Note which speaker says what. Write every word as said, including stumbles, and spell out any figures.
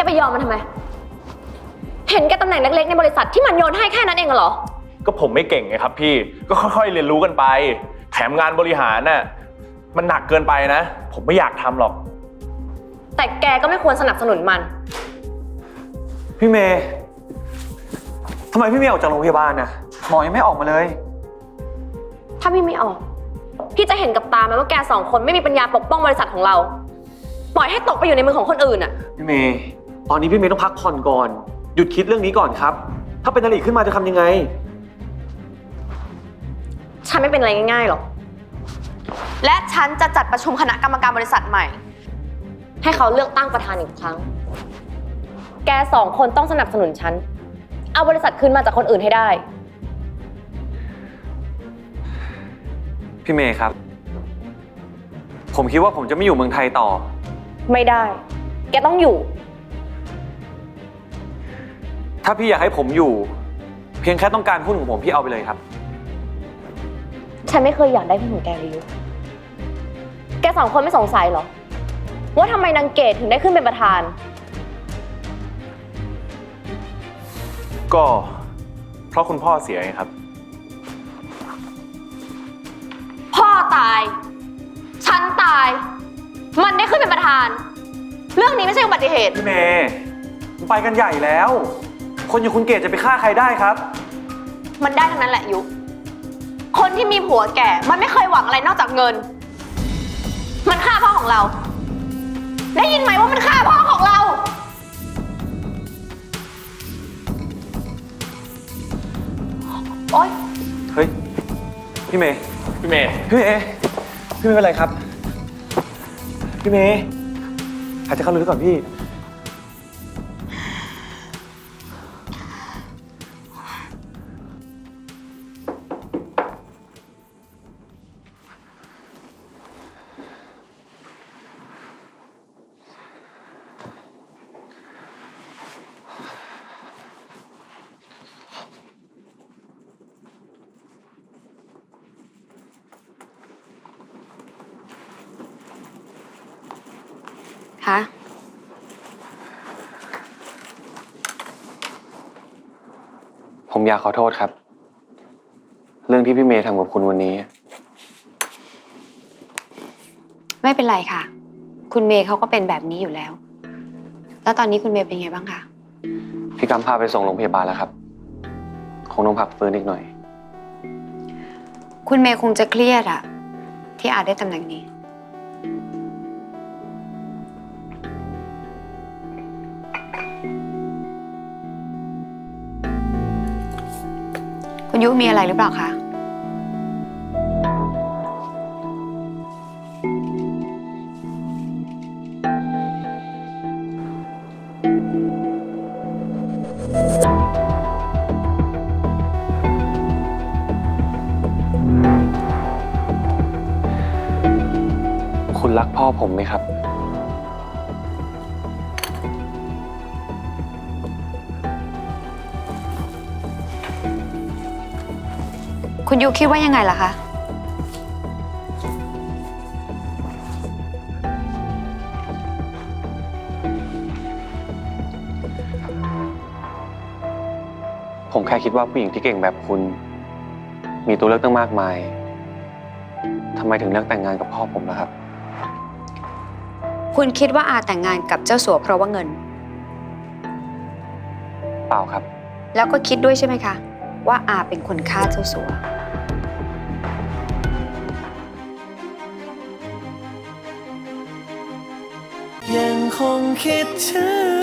Speaker 1: ไปยอมมันทำไมเห็นแกตำแหน่งเล็กๆในบริษัทที่มันโยนให้แค่นั้นเองเหรอ
Speaker 2: ก็ผมไม่เก่งไงครับพี่ก็ค่อยๆเรียนรู้กันไปแถมงานบริหารน่ะมันหนักเกินไปนะผมไม่อยากทำหรอก
Speaker 1: แต่แกก็ไม่ควรสนับสนุนมัน
Speaker 3: พี่เมย์ทำไมพี่เมย์ออกจากโรงพยาบาลน่ะหมอยังไม่ออกมาเลย
Speaker 1: ถ้าพี่ไม่ออกพี่จะเห็นกับตาไหมว่าแกสองคนไม่มีปัญญาปกป้องบริษัทของเราปล่อยให้ตกไปอยู่ในมือของคนอื่นอ่ะ
Speaker 3: พี่เมย์ตอนนี้พี่เมย์ต้องพักผ่อนก่อนหยุดคิดเรื่องนี้ก่อนครับถ้าเป็นอะไรขึ้นมาจะทำยังไง
Speaker 1: ฉันไม่เป็นอะไรง่ายๆหรอกและฉันจะจัดประชุมคณะกรรมการบริษัทใหม่ให้เขาเลือกตั้งประธานอีกครั้งแกสองคนต้องสนับสนุนฉันเอาบริษัทคืนมาจากคนอื่นให้ได้
Speaker 3: พี่เมย์ครับผมคิดว่าผมจะไม่อยู่เมืองไทยต่อ
Speaker 1: ไม่ได้แกต้องอยู่
Speaker 3: ถ้าพี่อยากให้ผมอยู่เพียงแค่ต้องการหุ้นของผมพี่เอาไปเลยครับ
Speaker 1: ฉันไม่เคยอยากได้หุ้นของแกเลยยุแกสองคนไม่สงสัยเหรอว่าทำไมนางเกดถึงได้ขึ้นเป็นประธาน
Speaker 2: ก็เพราะคุณพ่อเสียไงครับ
Speaker 1: พ่อตายฉันตายมันได้ขึ้นเป็นประธานเรื่องนี้ไม่ใช่อุบัติเหตุ
Speaker 3: พี่เมย์มันไปกันใหญ่แล้วคนอย่างคุณเกดจะไปฆ่าใครได้ครับ
Speaker 1: มันได้ทั้งนั้นแหละยุคนที่มีผัวแก่มันไม่เคยหวังอะไรนอกจากเงินมันฆ่าพ่อของเราได้ยินไหมว่ามันฆ่าพ่อของเราโอ๊ย
Speaker 3: เฮ้ยพี่เมย์
Speaker 2: พี่เมย์
Speaker 3: พี่เมย์พี่เมย์เป็นไรครับพี่เมย์หายใจเข้าลึกก่อนพี่
Speaker 1: คะ
Speaker 3: ผมอยากขอโทษครับเรื่องที่พี่เมย์ทำกับคุณวันนี้
Speaker 4: ไม่เป็นไรค่ะคุณเมย์เขาก็เป็นแบบนี้อยู่แล้วแล้วตอนนี้คุณเมย์เป็นไงบ้างคะ
Speaker 3: พี่กำพาไปส่งโรงพยาบาลแล้วครับคงต้องพักฟื้นอีกหน่อย
Speaker 4: คุณเมย์คงจะเครียดอะที่อาจได้ตำแหน่งนี้คุณยุมีอะไรหรือเปล่าคะ
Speaker 3: คุณรักพ่อผมไหมครับ
Speaker 4: คุณยูคิดว่ายังไงล่ะคะ
Speaker 3: ผมแค่คิดว่าผู้หญิงที่เก่งแบบคุณมีตัวเลือกตั้งมากมายทำไมถึงเลือกแต่งงานกับพ่อผมล่ะครับ
Speaker 4: คุณคิดว่าอาแต่งงานกับเจ้าสัวเพราะว่าเงิน
Speaker 3: เปล่าครับ
Speaker 4: แล้วก็คิดด้วยใช่ไหมคะว่าอาเป็นคนฆ่าเจ้าสัว
Speaker 5: ยังคงคิดถึง